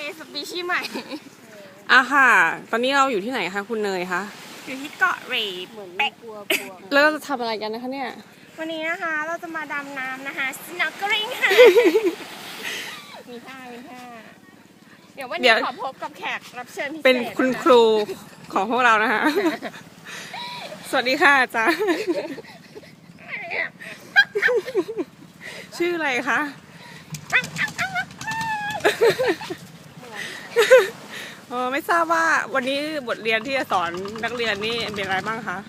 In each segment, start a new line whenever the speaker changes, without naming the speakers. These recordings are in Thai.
สปีชีส์ใหม่
ค่ะตอนนี้เราอยู่ที่ไหนคะคุณเนยคะ
อยู่ที่เกาะเรย์เหมือนกลัว
แล้วเราจะทำอะไรกันนะคะเนี่ย
วันนี้นะคะเราจะมาดำน้ำนะคะ snorkeling ค่ะ มีท่าเดี๋ยววันนี้ขอพบกับแขกรับเชิญพิเศษ
เป็นคุณครูของพวกเรานะคะ สวัสดีค่ะอาจารย์ ชื่ออะไรคะไม่ทราบว่าวันนี้บทเรียนที่จะสอนนักเรียนนี่เป็นอะไรบ้างคะ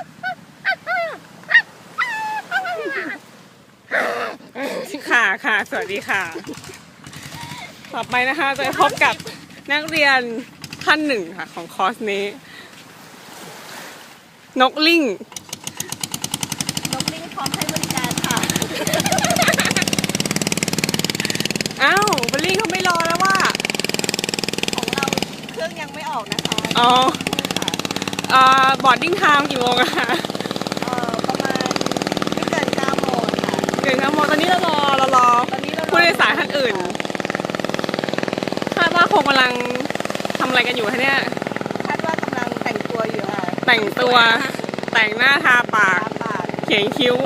ค่ะสวัสดีค่ะต่อไปนะคะจะพบกับนักเรียนท่านหนึ่งค่ะของคอร์สนี้นกลิง
พร้อมให้บริการค่ะ
อ้าวบอลลิงเขาไม่รอแล้วว่า
ของเราเครื่องยังไม่ออกนะคะ
บอร์ดดิ้งไทม์กี่โมงอะคะ
ประมาณไม่เกิน9 โมงค่ะ
เกิน9 โมงตอนนี้เรารอผู้โดยสารท่านอื่นคาดว่าคงกำลังทำอะไรกันอยู่คะเนี่ย
คาดว่ากำลังแต่งตัวอยู่ค่ะ
แต่งตัวแต่งหน้าทาปากเขียนคิ้ว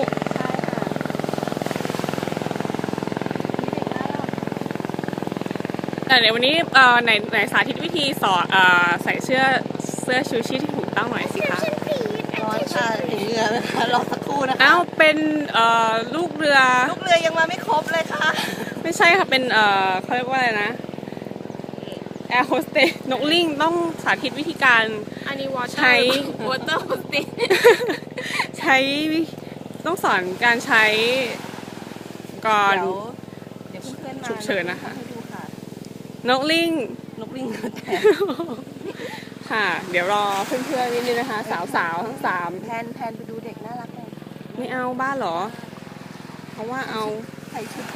ใช่ค่ะ
เดี๋ยววันนี้ไหนสาธิตวิธีสอนใส่เสื้อชูชีพที่ถูกต้องหน่อยสิคะ
ร้อนค่ะถึงเรือนะคะรอสักครู่นะคะ
อ้าวเป็นลูกเรือ
ยังมาไม่ครบเลยค่ะ
ไม่ใช่ค่ะเป็นเขาเรียกว่าอะไรนะแอร์โฮสเตสนกลิงต้องสาธิตวิธีการใช้
วอเตอร์โฮสเตส
ใช้ต้องสอนการใช้ก่อน
เดี๋ยวเพื่อนๆมา
ฉุกเฉินนะคะ
ให้ดูค่ะ
นกลิง
แต่
ค่ะเดี๋ยวรอเพื่อนๆนิดนึงนะคะสาวทั้ง3
แพนไปดูเด็กน่ารักเลย
ไม่เอาบ้านเหรอเพราะว่าเอา
ใส่ชุด